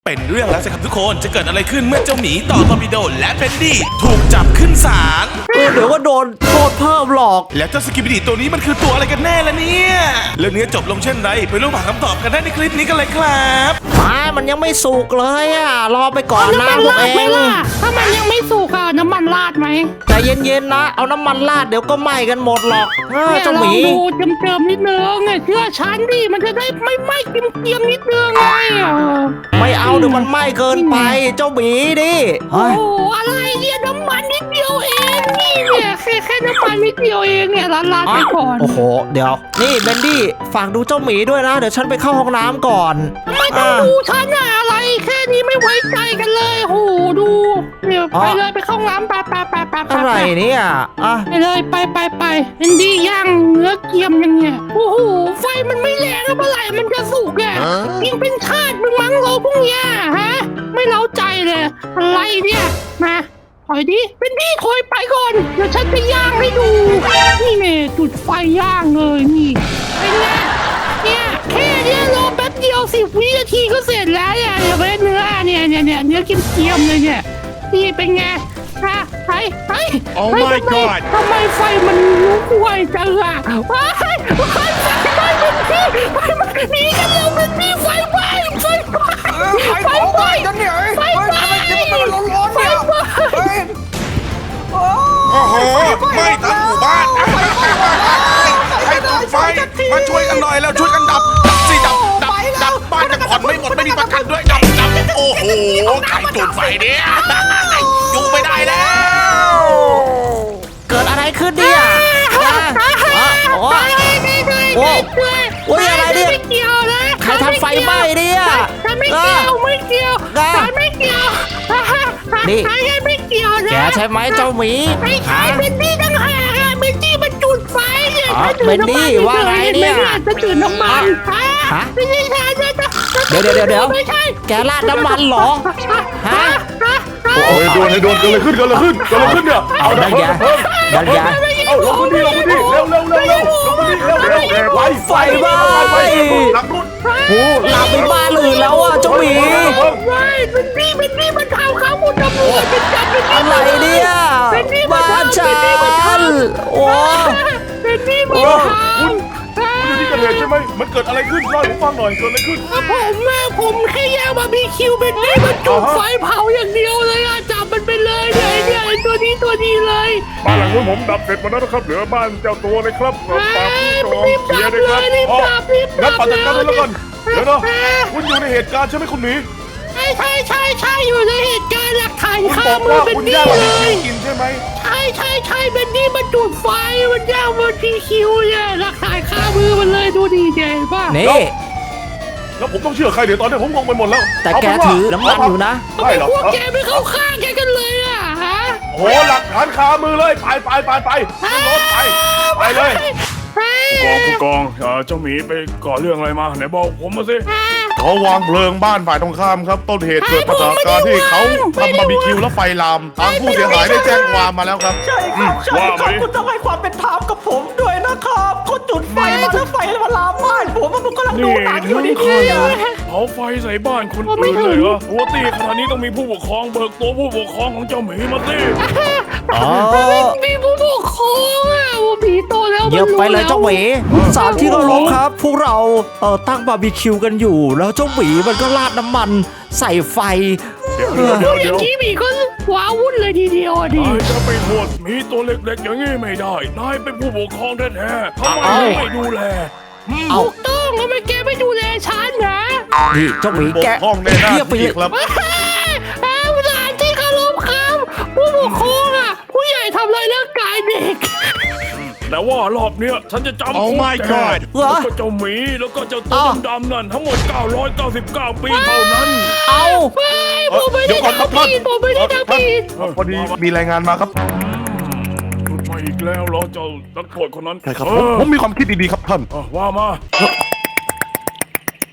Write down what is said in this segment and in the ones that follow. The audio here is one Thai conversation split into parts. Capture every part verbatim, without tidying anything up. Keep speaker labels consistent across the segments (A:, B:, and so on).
A: เป็นเรื่องแล้วสิครับทุกคนจะเกิดอะไรขึ้นเมื่อเจ้าหมีต่อตอร์ปิโดและเฟนดี้ถูกจับขึ้นศาล
B: เดี๋ยวก็โดนโทษเพิ่มหรอก
A: แล้วเจ้าสกิปปิดีตัวนี้มันคือตัวอะไรกันแน่ล่ะเนี่ยเรื่องนี้จบลงเช่นไรไปรู้หาคำตอบกันได้ในคลิปนี้กันเลยครับ
B: ไม่มันยังไม่สุกเลยอ่ะรอไปก่อนนะพวกเอง
C: ถ้ามันยังไม่สุกอ่ะน้ำมันราดไหม
B: ใจเย็นๆนะเอาน้ำมันราดเดี๋ยวก็ไหม้กันหมดหรอกเจ้าหมี
C: ดูเจิมๆนิดนึงไงเชื่อฉันดิมันจะได้ไม่ไหม้เกรียมๆนิดนึงไง
B: ไม่เอาเดี๋ยวมันไหม้เกินไปเจ้าหมีดิ
C: โอ้อะไรเนี่ยน้ำมันนิดเดียวเองนี่เนี่ยแค่แค่น้ำมันนิดเดียวเองเนี่ยลาดๆไปก่อน
B: โอ้โหเดี๋ยวนี่เบนดี้ฝากดูเจ้าหมีด้วยนะเดี๋ยวฉันไปเข้าห้องน้ำก่อน
C: ไม่ต้องดูฉันอะอะไรแค่นี้ไม่ไว้ใจกันเลยโหดูเดี๋ยวไปเลยไปเข้าห้องน้ำไปไปไปไป
B: อะไรเนี่ยอ่ะ
C: ไปเลยไปไปไปเป็นดีย่างเนื้อเกี๊ยมยังเนี่ยโอ้โหไฟมันไม่แรงเมื่อไหร่มันจะสุกอ่ะยิงเป็นชาติมึงมั้งเราพวกเนี้ยฮะไม่เล้าใจเลยอะไรเนี่ยมาถอยดิเป็นดีถอยไปก่อนเดี๋ยวฉันจะย่างให้ดูนี่เมย์จุดไฟย่างเลยนี่เป็นไงเนี่ยแค่เนี้ยรอแป๊บเดียวสิบวินาทีก็เสร็จแล้วเนี่ยเดี๋ยวไปเนื้อเนี่ยเนี่ยเนี่ยเนื้อเกี๊ยมๆเลยเนี่ยนี่เป็นไงฮะไอ้ไอ้
A: Oh my god
C: ทำไมไฟมันลุกไวจังอ่ะว้ายไฟไฟไฟเป็นที่ไฟมันหนีกันเร็วเป็นที่ไฟไฟไฟไฟไฟไฟกันเนี่ยไฟไฟมันร้อนๆเนี่ย
A: โอ้โหไม่ทั้งหมู่บ้านให้จุดไฟมาช่วยกันหน่อยแล้วช่วยกันดับดับสิดับดับดับบ้านจะผ่อนไม่หมดไม่มีประกันด้วยดับดับโอ้โหใครจุดไฟเนี่ยอยู่ไม่ได้แล้ว
B: เกิดอะไรขึ้นเนี่ยโอ้โอ้โอ้ยอะไรเนี่ยใครทำไฟไหม้เนี่ย
C: ฉันไม่เกี่ยวไม่เกี่ยวฉันไม่เกี่ยว
B: นี่
C: ฉันไม่เกี่ยวนะ
B: แกใช่ไหมเจ้าหมี
C: ไม่ใช่เบนดี้ตั้งหากเบนดี้มันจุดไฟเนี่ย
B: เบนดี้ว่าไงเนี่ย
C: จะจุดน้ำมันฮะไม่ใช่ฉันจะ
B: เดี๋ยวเดี๋ยวเดี๋ยวแกราดน้ำมันเหรอฮะ
A: โอ้ยโดนโดนเกิดอะไรขึ้นเกิดอะไรขึ้นเกิดอะไรขึ้นเนี่ย
B: เอาดันยาดันยา
A: เอาลงพื้นที่ลงพื้นที่เร็วเร็วเร็วเร็วลงพื้นที่เร็วเร็วเร็วไป
B: ไฟไหม้
A: หลังรุ่น
B: โอ้หลับไปบ้านอื่นแล้วอ่ะเจ้าหมี
C: ไม่เป็นนี่เป็นนี่มันข่าวข่าวมุดตำรวจเป็นจับเป็น
B: อะไรเนี่ยบ้านฉันโอ้
C: เป็นนี่มัน
A: คุณคุณอยู่ที่เกิดเหตุใช่ไหมมันเกิดอะไรขึ้นเล่าให้ผมฟังหน่อยเกิดอะไรขึ้น
C: ผมแม่ผมแค่ย่างบาร์บีคิวเป็นนี่มันจุดไฟเผาอย่างเดียวเลยอ่ะจับมันไปเลยเนี่ยเนี่ยตัวนี้ตัวนี้เลย
A: บ้านหลังนู้นผมดับเสร็จหมดแล้วนะครับเหลือบ้านเจ้าตัวเลยครับฝากพี่จองเสียเลยครับอ๋องั้นปัดจัดการเลยแล้วกันเดี๋ยวนะคุณอยู่ในเหตุการณ์ใช่ไหมคุณหมี
C: ใช่ใช่ใช่ใช่อยู่ในเหตุการณ์หลักฐานข้ามือเป็นนี่เลย
A: กินใช่ไหม
C: ใช่ใช่ใช่เป็นนี่มันจุดไฟมันย่างมันพีคิวเนี่ยหลักฐานข้ามือมันเลยดูดีเจ๋งป่ะ
B: นี่
A: แล้วผมต้องเชื่อใครเดี๋ยวตอนนี้ผมงงไปหมดแล้ว
B: แต่แกถือน้ำมันอยู่นะ
C: ไม่หรอกพวกแกไม่เข้าข้างแกกันเลยอ่ะฮะ
A: โอ้หลักฐานคามือเลยไปไปไปไปขึ้นรถไปไปเลย
D: ผู้กองผู้กองเจ้าหมีไปก่อเรื่องอะไรมาไหนบอกผมมาสิ
A: เขาวางเพลิงบ้านฝ่ายตรงข้ามครับต้นเหตุเกิดจากการที่เขาทำบาร์บีคิวแล้วไฟลามทางผู้เสียหายได้แจ้งความมาแล้วครับ
B: ใช่ครับใช่ครับคุณต้องให้ความเป็นธรรมกับผมด้วยนะครับเขาจุดไฟมาแล้วไฟมาลามบ้านผมมันกำลังดูหนังอยู่ดี
D: ๆเผาไฟใส่บ้านคนอื่นเลยเหรอปกติขณะนี้ต้องมีผู้ปกครองเบิกตัวผู้ปกครองของเจ้าหมีมาสิ
B: อ๋อ
C: มีผู้ปกครองอ่ะหมีโตแล้ว
B: เยอะไปเลยเจ้าหมีสามที่เคารพครับพวกเราเออตั้งบาร์บีคิวกันอยู่แล้วเจ้าหมีมันก็ราดน้ำมันใส่ไฟ
D: เดี๋ยวเดี๋ยวเดี๋ยว
C: ที่หมีก็ว้าวุ่นเลยทีเดียวดิ
D: นายจะไปโทษหมีตัวเล็กๆอย่างนี้ไม่ได้นายเป็นผู้ปกครองแท้ๆทำไมไม่ดูแล
C: ถูกต้องทำไมแกไม่ดูแลฉันนะ
B: นี่เจ้าหมีแก
A: เทียบไปเลยครับ
C: สถานที่เคารพครับผู้ปกครองอ่ะผู้ใหญ่ทำลายร่างกายเด็ก
D: แต่ว่ารอบเนี้ยฉันจะจำคุกแกแล้วก็เจ้าหมีแล้วก็เจ้าตัวดำๆนั่นทั้งหมดเก้าร้อยเก้าสิบเก้าปีเท่านั้น
B: เอา
C: ไม่ผมไม่ได้ทำผิดผมไม่ได้ทำผิด
A: พอดีมีรายงานมาครับ
D: จุดไฟอีกแล้วเหรอเจ้านักโทษคนนั้น
A: ใช่ครับผมมีความคิดดีๆครับท่าน
D: ว่ามา
A: ผ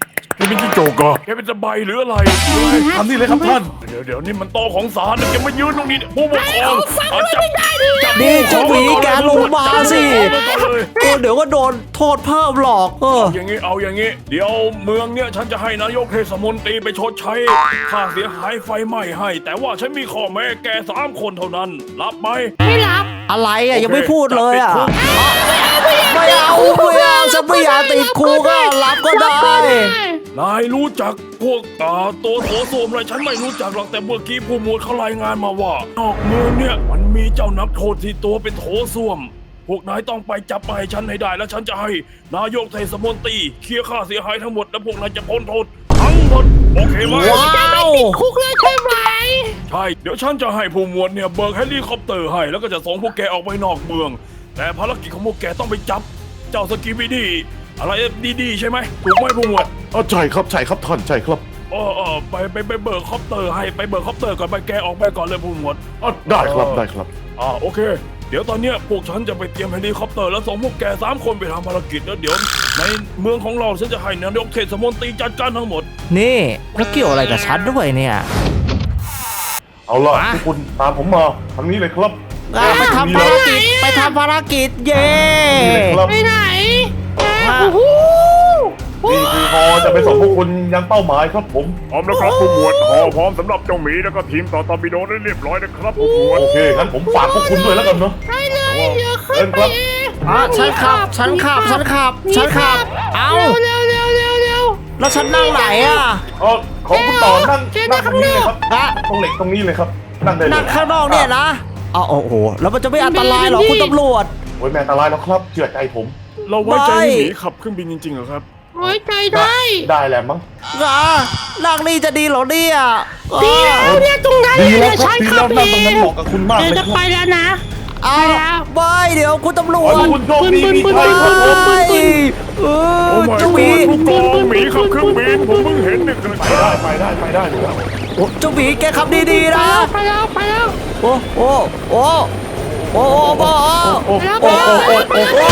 D: เป็นจิ้งจกเหรอแกเป็นสบายหรืออะไร
A: ทำนี่เลยครับท่าน
D: เดี๋ยวเดี๋ยวนี่มันโต๊ะของศาลนะแกมายืนตรงนี้ผู้ปกครอง
C: ฟังด้วยไม่ได้ดิ
B: นี่เจ้าหมีแกลงมาสิเออเดี๋ยวก็โดนโทษเพิ่มหรอกเออ
D: อย่างงี้เอาอย่างงี้เดี๋ยวเมืองเนี่ยฉันจะให้นายกเทศมนตรีไปชดใช้ค่าเสียหายไฟไหม้ให้ แต่ว่าฉันมีข้อแม้แกสามคนเท่านั้นรับไหม
C: ไม่รับ
B: อะไรอ่ะยังไม่พูดเลยอ่ะไม่เอาไม่เอาฉันไม่อยากติดคุกก็รับก็ได้
D: นายรู้จักพวกอ่าตัวโถส้วมอะไรฉันไม่รู้จักหรอกแต่เมื่อกี้ผู้หมวดเขารายงานมาว่านอกเมืองเนี่ยมันมีเจ้านักโทษที่ตัวเป็นโถส้วม พวกนายต้องไปจับมาให้ฉันให้ได้แล้วฉันจะให้นายกเทศมนตรีเคลียร์ค่าเสียหายทั้งหมดแล้วพวกนายจะพ้นโทษทั้งหมดโอเคไหม
B: ว้าว
C: คุกเลยใช่ไหม
D: ใช่เดี๋ยวฉันจะให้ผู้หมวดเนี่ยเบิกเฮลิคอปเตอร์ให้แล้วก็จะส่งพวกแกออกไปนอกเมือง แต่ภารกิจของพวกแกต้องไปจับเจ้าสกีบีดีอะไรดีๆใช่ไหมถูกไหมผู้หมวด
A: อ๋อใช่ครับใช่ครับท่านใช่ครับ
D: เออเออไปไปไปเบิกคอปเตอร์ให้ไปเบิกคอปเตอร์ก่อนไปแกออกไปก่อนเลยผู้หมวด
A: อ๋อได้ครับได้ครับ
D: อ่าโอเค เดี๋ยวตอนเนี้ยพวกฉันจะไปเตรียมเฮลิคอปเตอร์แล้วส่งพวกแกสามคนไปทำภารกิจแล้วเดี๋ยวในเมืองของเราฉันจะให้นายกเทศมนตรีจัดการทั้งหมด
B: นี่แล้วเกี่ยวอะไรกับฉันด้วยเนี่ย
A: เอาล่ะ
B: มา
A: ทุกคนตามผมมาทางนี้เลยครับ
B: อ่ะไปทำภารกิจไปทำภารกิจเย้
A: นี่เลยครับ
C: ไปไหน
B: มา
C: โอ้โห
A: นี่คือฮอจะไปส่งพวกคุณยังเป้าหมายครับผม
D: พร้อมแล้วครับผู้หมวดขอพร้อมสำหรับเจ้าหมีแล้วก็ทีมต่อตอร์ปิโดได้เรียบร้อยนะครับผู้หมวด
A: โอเคงั้นผมฝากพวกคุณด้วยแล้วกันเนาะ
C: ไปเลยเดี๋ยวขึ้นไปเอง
B: อ่ะฉันขับฉันขับฉันขับฉันขับเอา
C: เร็วเร็วเร็วเร็ว
B: แล้วฉันนั่งไหนอ่ะ
A: เออของคุณต่อนั่ง
C: เจ๊
A: นั่งตรงนี้เลยครับ
B: อ่ะ
A: ตรงเหล็กตรงนี้เลยครับนั่งได้เลย
B: นั่งข้างนอกเนี่ยนะอ๋อโอ้โหแล้วมันจะไม่อันตรายหรอคุณตำรวจ
A: โอ้ยแม่อันตรายแล้วครับเชื่อใจผม
D: เราไว้ใจ
B: ไม่
D: หมีขับเครื่องบินจริงๆเหรอครับ
C: ไว้ใจได้
A: ได้แหละมั้ง
B: อ่ะนั่งนี่จะดีเหรอเนี่ย
C: เดี๋
B: อ่ะ
C: ยวเนี่ยตรงนั้น
A: ดี
C: เนี่
A: แล้ว
C: ย
A: ครับ
C: ฉัน
A: ดี
C: ขั
A: แล้
C: บ
A: ว
C: เอ
A: นั่งตรงนั้น
C: ง
A: เหมาะกับคุณมาก
C: เดี๋ยว
A: เลย
C: จะ
A: ครับ
C: ไปแล้วนะ
B: เอา
C: ไปแล้ว
B: ไม่เดี๋ยวคุณตำรว
A: ขอ
B: จ
A: ให้คุณโชคดีมี
C: บึ้น
A: ชัย
C: บึ้น
A: ครับ
C: บึ้น
A: ผม
C: บึ้น
B: เอ
D: โอ้
B: อ
D: ไม่
B: เจ้าห
D: ก
B: มี
D: ผู้กองหมีขับเครื่องบินผมเพิ่งเห็นเนี่ย
A: ไปได้ไปได้ไปได้เลยครับ
B: โอ้เจ้าหมีแกขับดีๆ
C: ไป
B: นะ
C: แล้วไปแล้วไปแล้ว
B: โอ้โอ้โอ้โอ้โอ้โอ้
A: โอ้
C: ไปแล้ว
A: โอ้โอ้โอ้โอ้โอ้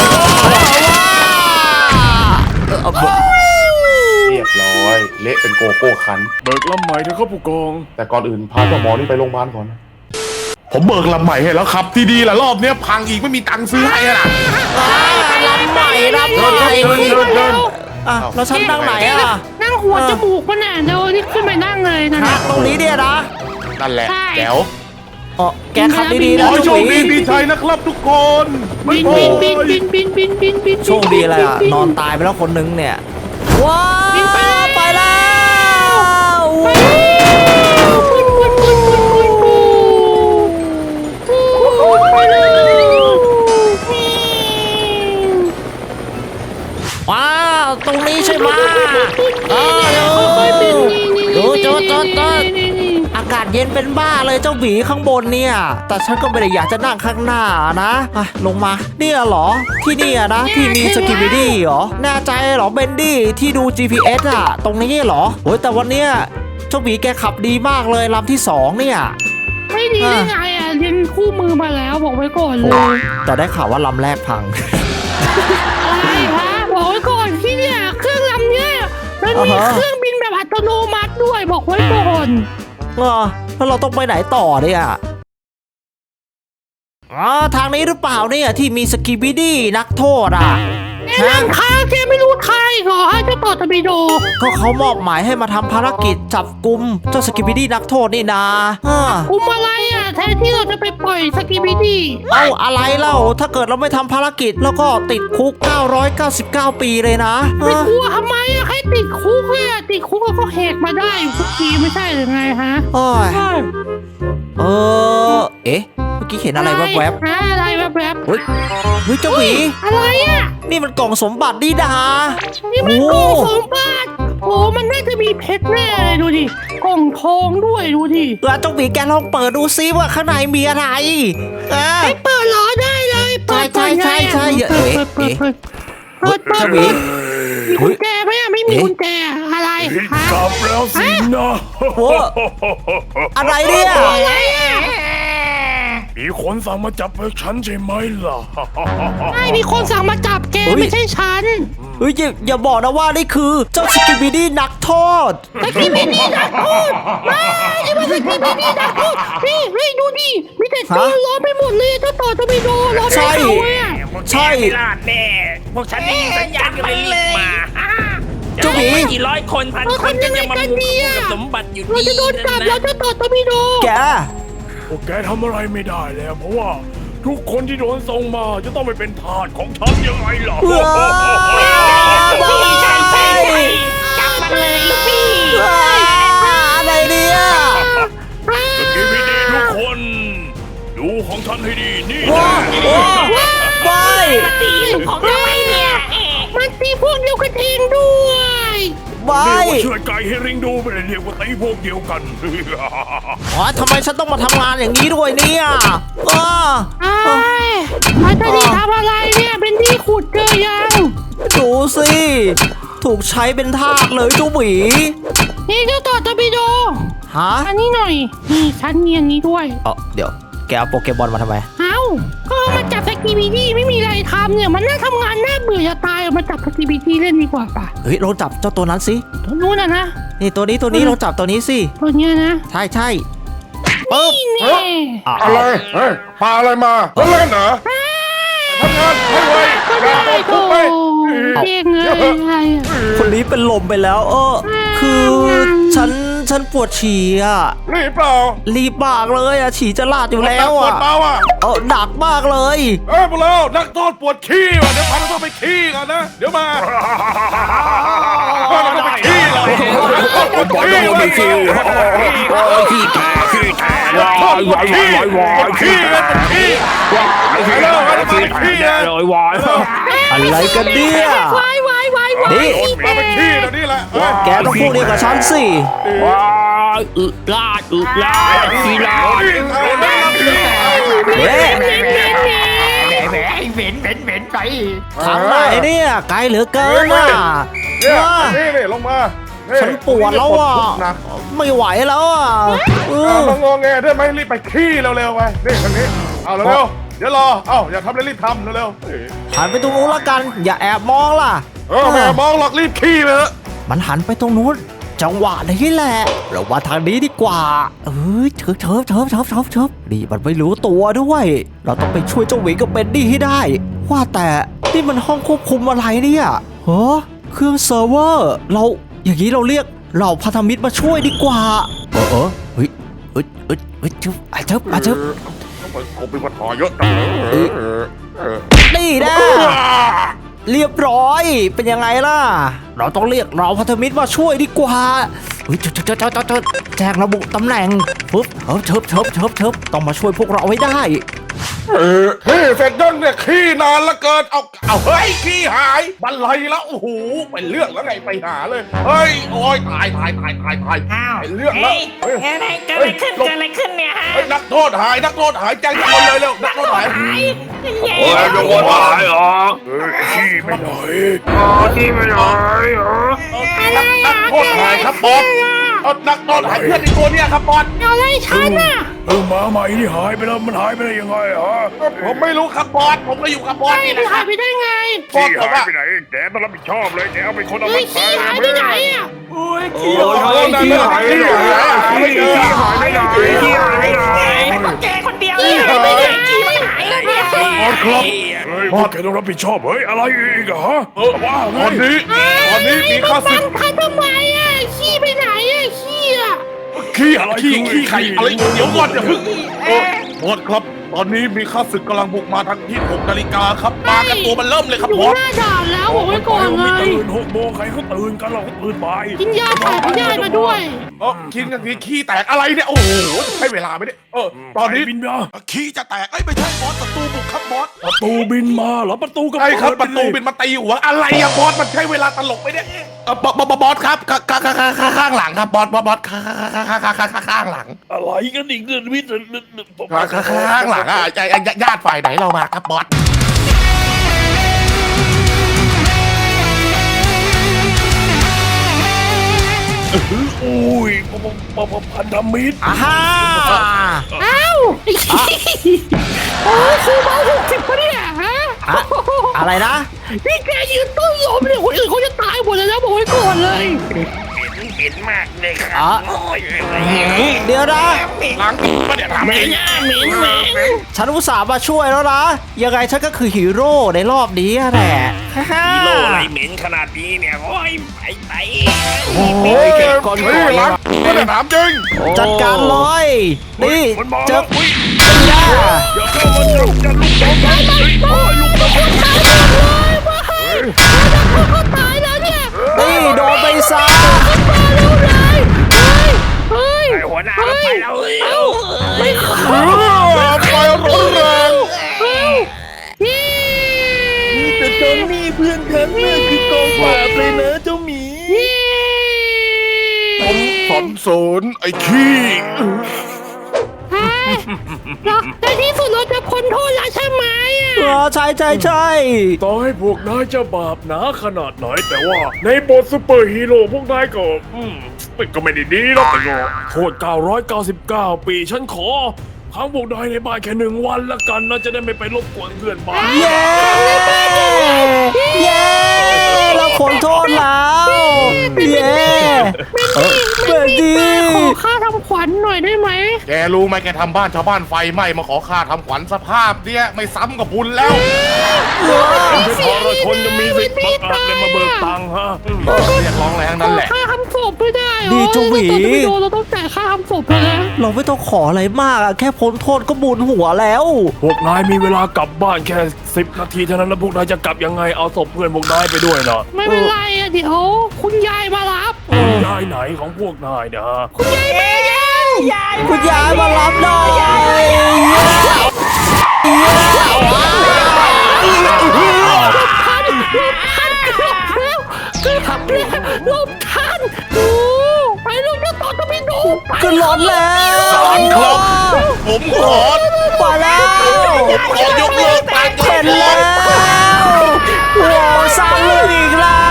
A: เรียบร้อยเละเป็นโกโก้คัน
D: เบิกลำใหม่เถอะครับผู้กอง
A: แต่ก่อนอื่นพาเจ้าหมอนี่ไปโรงพยาบาลก่อนนะผมเบิกลำใหม่ให้แล้วครับ ที่ดีละรอบเนี้ยพังอีกไม่มีตังค์ซื้อให้อะนะ
B: ลำใหม่ลำใหม่
A: เดินเดินเดิน
B: อ่ะแล้วฉันนั่งไหนอ่ะ
C: นั่งหัวจมูกมันน่ะเดี๋ยวนี่ขึ้นไปนั่งเลยนะ
B: นั่งตรงนี้เนี่ยนะ
A: นั่นแหละ
C: ใช่
A: แจ๋ว
B: อ๋อแกขับดีๆ
A: ข
B: นะ
A: อให้โช
B: เจ้าห
A: ค
B: มี
A: ดีมีชัยนะครับทุกคน
C: บินบินบินบินบินบินบินบิน
B: โชคดีอะไรอ่ะนอนตายไปแล้วคนนึงเนี่ยว้าว
C: บินไปแล้ว
B: ไปแล้ว
C: ไปแล้วบินบินบินบินบินบินไปเลย
B: ว้าวตรงนี้ใช่ไหมเออเดี๋ยว
C: ค่อยๆบินนี่นี่
B: ดูจดจดจด
C: นี่นี่
B: อากาศเย็นเป็นบ้าเลยเจ้าหมีข้างบนเนี่ย แต่ฉันก็ไม่ได้อยากจะนั่งข้างหน้านะอ่ะลงมาเนี่ยเหรอที่นี่อะนะที่มีสกิบิดี้เหรอแน่ใจเหรอเบนดี้ที่ดู จี พี เอส อะตรงนี้เหรอโอ้ยแต่วันเนี้ยเจ้าหมีแกขับดีมากเลยลำที่สองเนี่ย
C: ไม่ดีได้ไงอ่ะเรียนคู่มือมาแล้วบอกไว้ก่อนเล
B: โอ้
C: ย
B: แต่ได้ข่าวว่าลำแรกพัง
C: อะไรฮะบอกไว้ก่อนที่เนี่ยเครื่องลำเนี่ยมันมี
B: อ่าฮะ
C: เครื่องบินแบบอัตโนมัติด้วยบอกไว้ก่อน
B: เออแล้วเราต้องไปไหนต่อเนี่ยอ๋อทางนี้หรือเปล่าเนี่ยที่มีสกิบิดี้นักโทษอ่ะ
C: แกนั่งค้างแกไม่รู้ใครเหรอให้เจ้าต่อตะบีโด
B: ก็เขามอบหมายให้มาทำภารกิจจับกุมเจ้าสกิบิดี้นักโทษนี่นาอ่า
C: คุมอะไรอ่ะแทนที่เราจะไปปล่อยสกีบิดี้
B: เอาอะไรเล่าถ้าเกิดเราไม่ทำภารกิจแล้วก็ติดคุกเก้าร้อยเก้าสิบเก้าปีเลยนะ
C: ไปกลัวทำไมอ่ะให้ติดคุกเลยอ่ะติดคุกแล้วก็แหกมาได้ทุกทีไม่ใช่หรือไงฮะ
B: โอ้ยเออเอ๊ะเมื่อกี้เห็นอะไรแวบ
C: ฮะอะไรแวบ
B: ๆเฮ้ยเฮ้ยเจ้าหมี
C: ๆอะไรอ่ะ
B: นี่มันกล่องสมบัติดีดา
C: นี่มัน
B: โอ้
C: กล่องสมบัติโอ้มันน่าจะมีเพชรแน่เลยดูดิกล่องทองด้วยดูดิ
B: แล้วเจ้าหมีแกลองเปิดดูซิว่าข้างในมีอะไรอ่ะ
C: ไปเปิดล้อได้เลยเปิด
B: ใช่ใช่ใช่ใช่
C: เปิดเปิดเปิดเปิดเปิด
B: เจ้าหมี
C: มีกุญแจไหมอ่ะไม่มีกุญแจอะไร
D: ผิด
C: ฮะ
D: กลับแล้วสินะ
B: โอ้อะไรเนี่ย
C: อะไรอ่ะ
D: มีคนสั่งมาจับพวกฉันใช่ไหมล่ะ
C: ใช่มีคนสั่งมาจับแก
B: เฮ้ย
C: ไม่ใช่ฉัน
B: เฮ้ยอย่าอย่าบอกนะว่านี่คือเจ้าสกิบิดี้นักโทษ
C: สกิบิดี้นักโทษมานี่มันสกิบิดี้นักโทษนี่เฮ้ยดูดิมีแต่ตัวล้อไปหมดเลยเจ้าต่อจะไปโดนล้อไป
B: ใช่
C: เขาอ่ะ
B: ใช่
E: ไม่รอดแน่พวกฉันได้ยินสัญญาณก็เลยรีบมา
B: เจ้าหมี
E: ไม่กี่ร้อยคนพันคนก็ยังมามุงกับสมบัติอยู่
C: เรา
E: ดี
C: จะโดนจับ
E: นั่น
C: เรา
E: นะ
C: จะต่อจะไปโดน
B: แก
D: พวกแกทำอะไรไม่ได้แล้วเพราะว่าทุกคนที่โดนส่งมาจะต้องไปเป็นทาสของฉันยังไงล่ะ
B: ว้าว
E: พี่ชายใช่จับมาเลยลูกพี่
B: อะไรเนี่ย
D: สกิบิดีทุกคน ดูของฉันให้ดีนี่
B: ว้า
D: นะ
B: วไป
E: ตีลูกของเราไว้เนี่ย
C: มันตีพวกเดียวกันเองด้วย
B: ไป
D: เรียกว่าเชื่อใจให้ริงดูไม่ได้เรียกว่าตีพวกเดียวกัน
B: อ๋อทำไมฉันต้องมาทำงานอย่างนี้ด้วยเนี่ยอ้า
C: ไอ้มันจะดีทำอะไรเนี่ยเป็นที่ขุดเจอยัง
B: ดูสิ ถูกใช้เป็นทาสเลยเจ้าหมี
C: นี่เจ้าต่อจะไปโดน
B: ฮะ
C: อันนี้หน่อยนี่ฉันมีอันนี้ด้วย
B: เออเดี๋ยวแกเอาโปเกมอนมาทำไม
C: เอ้าก็เอามาจับสกีบีดี้ไม่มีอะไรทำเนี่ยมันน่าทำงานน่าเบื่อจะตายเอามาจับสกีบีดี้เล่นดีกว่าป่ะ
B: เฮ้ยลองจับเจ้าตัวนั้นสิ
C: ตัวนู้นน่ะนะ
B: นี่ตัวนี้ตัวนี้ลองจับตัวนี้สิ
C: ตัวเนี้ยนะ
B: ใช่ใช่ปึ๊บ
C: นี่แน่
B: อ่ะ
A: อะไรเฮ้ยพาอะไรมาเล่นเหรอทำงานให้ไว
C: ก็ได้โตเก่งเลยอะไรอ่ะ
B: คนนี้เป็นลมไปแล้ว เออ คือฉันฉันปวดฉี่อ่ะ
A: รีบเปล่า
B: รีบมากเลยอ่ะฉี่จะลาดอยู่แล้ว
A: ปว
B: อ่ะ
A: ดเบาอ่ะ
B: เออหนักมากเลย
A: เอ้ยพวกเรานักโทษปวดขี้ว่ะเดี๋ยวพานักโทษไปขี้ก่อนนะ เดี๋ยวมาพานักโทษไปขี้เลยปวดขี้ไปขี้ขี้แท้ขี้แท้วายวายวายวายวายขี้เลยปวดขี้วายวายแล้วพานักโทษไปขี้นะ
D: เลยวาย
B: อะไรกันเนี่ย
C: วายวายวายวาย
B: นี่
A: พาไปขี้เดี๋ยวนี้แหละ
B: แกต้องพูดเดียวกับฉันสิ
D: วายอึลาดอึลาดขี้ลาด
B: เอ๊ะ
E: แหมเหม็นเหม็นเหม็นไป
B: ทางไหนเนี่ยไกลเหลือเกินอ่ะ
A: เนี่ย
B: ว้า
A: นี่นี่ลงมา
B: ฉันปวดแล้วอ่ะ ไม่ไหวแล้วอ่ะเอ
A: เอา
B: อ
A: มางงแงได้ไหมรีบไปขี้เร็วๆไปนี่ทางนี้เอาเร็วๆเดี๋ยวรอเอ้าอย่าทำเลยรีบทำเร็ว
B: หันไปตรงนู้นละกัน อย่าแอบมองล่ะ
A: ๆเออแม่มองหรอกรีบขี้ไปเถอะ
B: มันหันไปตรงนู้น จังหวะนี้แหละ เรามาทางนี้ดีกว่า เออเชิบเชิบเชิบเชิบเชิบเชิบนี่มันไม่รู้ตัวด้วย เราต้องไปช่วยเจ้าหวีกับเบนดี้ให้ได้ ว่าแต่นี่มันห้องควบคุมอะไรเนี่ยเฮ้อเครื่องเซิร์ฟเวอร์ เราอย่างนี้เราเรียกเหล่าพันธมิตรมาช่วยดีกว่า เออเออเฮ้ยเฮ้ยเฮ้ยเฮ้ยเชิบอ่ะเชิบอ่ะเชิบ
A: ผมเป็นปัญหาเยอะจัง
B: นี่นะเรียบร้อยเป็นยังไงล่ะ เราต้องเรียกเราพันธมิตรมาช่วยดีกว่าเฮ้ยเชิบเชิบเชิบเชิบเชิบแจ้งระบุตำแหน่งปึ๊บเฮ้ยเชิบเชิบเชิบเชิบต้องมาช่วยพวกเราให้ได้
A: เออเฮ้ยเสร็จยังเนี่ยขี้นานละเกินเอาเอาเฮ้ยขี้หายบันไลแล้วโอ้โหเป็นเรื่องแล้วไงไปหาเลยเฮ้ยโอ้ยตายตายตายตายตาย
E: อ้าว
A: เป็นเรื่องแล้ว
E: เฮ้ยอะไรเกิดอะไรขึ้นเกิดอะไรขึ้นเนี่ยฮะ
A: เฮ้ยนักโทษหายนักโทษหายแจ้งทุกคนเลยเร็วนักโทษหาย
E: หายแย่
D: โอ้ยโดนหายเหรอเฮ้ยขี้ไม่ไหนอ๋อขี้ไม่ไหนเหรอ
A: นักนักโทษหายครับบอสเอานักโทษหายเพื่อนในตัวเนี่ยครับบอส
C: อะไรฉันน่ะ
D: เออหมาใหม่ที่หายไปแล้วมันหายไปได้ยังไงฮะ
A: ผมไม่รู้ครับบอสผมก็อยู่กับบอส
C: ไอ้
A: นี่
C: ไป
A: นะค
C: หา
A: รั
C: ย
A: บ
C: ไปได้ไง
A: บอส
D: ขี้
A: ผม
D: หาย
A: อะ
D: ไปไหนแกต้องรับผิดชอบเลยแกเอาเป็นคนเอา
C: เฮ้
D: มั
C: ย
D: น
C: ขี้หายไปไหนอ่ะ
A: โอ้ยขี้หายขี้หายขี้หายไม่เจอ
D: ขี้หายไปไหนขี้หายไปไหน
E: ไม่พวกแกคนเดียวเลยไม่ได้ขี้มันหายเลยเนี่ย
D: บอสครับเฮ้ยพวกแกต้องรับผิดชอบเฮ้ยอะไรอีกอะฮะว่าไง
A: ตอนนี้ตอนนี้มีข้าศึก
C: เขาทำไมอ่ะขี้ไปไหนอ่ะขี้อ่ะ
A: ขี้อะไรขี้ขี้ไข่อะไรเดี๋ยวก่อนอย่าเพิ่งโอ้บอสครับ ตอนนี้มีข้าศึกกำลังบุกมาทางที่หกนาฬิกาครับมากันตัวมันเริ่มเลยครับ
C: อยู่
A: บอส
C: หน้าด่านแล้วบอกไว้ก่อนเล
D: ไม่
C: ย
D: ตื่นหกโมงใครเขาตื่นกันเราก็ตื่นไป
C: กินยาถ่ายพยาธิมาด้วย
A: เออกินกันทีขี้แตกอะไรเนี่ยโอ้โหใช้เวลาไหมเนี่ยเออตอนนี้
D: บินมา
A: ขี้จะแตกเอ้ยไม่ใช่บอสศัตรูบุกครับบอส
D: ประตูบินมาเหรอประตูก็
A: ใช่ครับป
D: เปิ
A: ระ
D: ด
A: ตู
D: ไป
A: เป็นมาตีหัวอะไรอะบอสมันใช้เวลาตลกไหมเนี่ยเออบอสบอสบอสครับข้างข้างข้างข้างข้างหลังครับบอสบอสบอสข้างข้างข้างข้างข้างข้างหลัง
D: อะไรกันอีกเรื่องวิทย์
A: ข้างข้างหลังอ่ะญาติฝ่ายไหนเรามาครับบอส
D: อุ้ยปะปะพันธมิตร
B: อ่าฮ่า
C: อ้าวไอ้ขี้โอ้ยซื้อมาหกสิบปะเนี่ยฮะ
B: อะอะไรนะ
C: นี่แกยืนต้นลมเนี่ยคนอื่นเขาจะตายหมดเลยนะบอกไว้ก่อนเลย
E: เหม็นมากเลยครั
B: อ๋อบ
E: โอ้ย
B: เดี๋ยวนะ
A: ล้างตัวไม่ได้ทำ
E: เหม็
A: เอน ง
E: อ่ะเหม็นเหม็น
B: ฉันอุตส่าห์มาช่วยแล้วนะ ยังไงฉันก็คือฮีโร่ในรอบนี้แหละฮ่า
E: ฮีโร่อะไรเหม็นขนาดนี้เนี่ยโอ้ยไปไป
B: โอ้ยเก็บก่อน
A: เฮ้ยล้างตัวไม่ได้ทำจริง
B: จัดการเลยนี่
D: มันมา
B: เจ
D: แล้
B: อ
D: วอุ้ย
B: เป็นยา
D: อย่าเข้ามาจับจะลุกน้องกันโอ้ยลุกน้องกัน
C: เขาตายแล้วเนี่ย
B: นี่โดนไปซะ
C: ตายแล้วเลยเฮ้ยเฮ้ย
E: ไอ้หัวหน้าเราไปแล้วเอ้ย
C: ไม่ขอ
A: ไฟร้อนแรง
C: เฮ้ยนี่
D: แต่จอนนี่เพื่อนฉันน่ะคือกองปราบเลยนะเจ้าหมี
A: ผมสันเสริญไอ้ขี้
C: เฮ้ยเราในที่สุดเราจะพ้นโทษแล้วใช่ไหม
B: เอ
C: อ่ะ
B: อใช่ใช่ใช่
D: ต่อให้พวกนายจะบาปหนาขนาดไหนแต่ว่า ในบทซูเปอร์ฮีโร่พวกนายก็อืมก็ไม่ได้ดีหรอกแต่ก็โทษเก้าร้อยเก้าสิบเก้าปีฉันขอค้างพวกนายในบ้านแค่หนึ่งวันละกันนะจะได้ไม่ไปรบกวนเพื่อนบ้าน
B: เย้เย้เราขอโทษแล้วเย้เออเบนดี้
C: ขอค่าทำขวัญหน่อยได้ไหม
A: แกรู้ไหมแกทำบ้านชาวบ้านไฟไหม้มาขอค่าทำขวัญสภาพเนี่ยไม่ซ้ำกับบุญแล้ว
D: ไม่พอเราชนจะมีสิทธิ์บังอาจเลยมาเบิกตังค์ฮะอืม
A: เรียกร้องอะไรทั้ง
C: ข
A: นั้น
C: อ
A: แหละ
C: ค่าทำศพไม่ได้เหรอ
B: ดีเจ้าหวี
C: ตอนที่ไปโดนเราต้องจ่ายค่าทำศพไปนะ
B: เราไม่ต้องขออะไรมากอะแค่พ้นโทษก็บุญหัวแล้ว
D: พวกนายมีเวลากลับบ้านแค่สิบนาทีเท่านั้นแล้วพวกนายจะกลับยังไงเอาศพเพื่อนพวกนายไปด้วยนะ
C: ไม่เป็นไรอะเดี๋ยวคุณยายมารับ
D: คุณยายไหนของพวกนายเนี่ยฮะ
C: คุณยายมาแล้ว
E: ยาย
B: คุณยายมารับหน่อยเย้เย้
C: ทันหลบทันเกือบแล้วเกือบแล้วหลบทันโอ้ไปลูกเจ้าต่อจะไม่ดูไป
B: ขึ้นรถแล้ว
A: สอนครับ ผมขอ
B: ไปแล้ว
A: ผมขอยกเลิกการย
B: เห็
A: ก
B: น
A: เลิ
B: แล้
A: ก
B: วว้าวสร้างเรื่องอีกแล้ว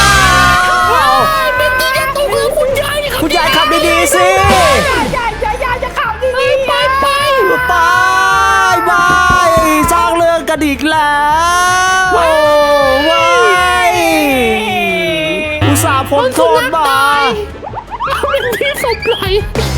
C: เป็นที่จะตกแล้วคุณยายครับ
B: คุณยายขับดีๆสิ
E: ยายยายยายจะขับดี
C: ไปไปไป
B: ไปไปสร้างเรื่องกันอีกแล้วว้ายอุตส่าห์พ้นโทษมา
C: เอาเป็นที่สบไหล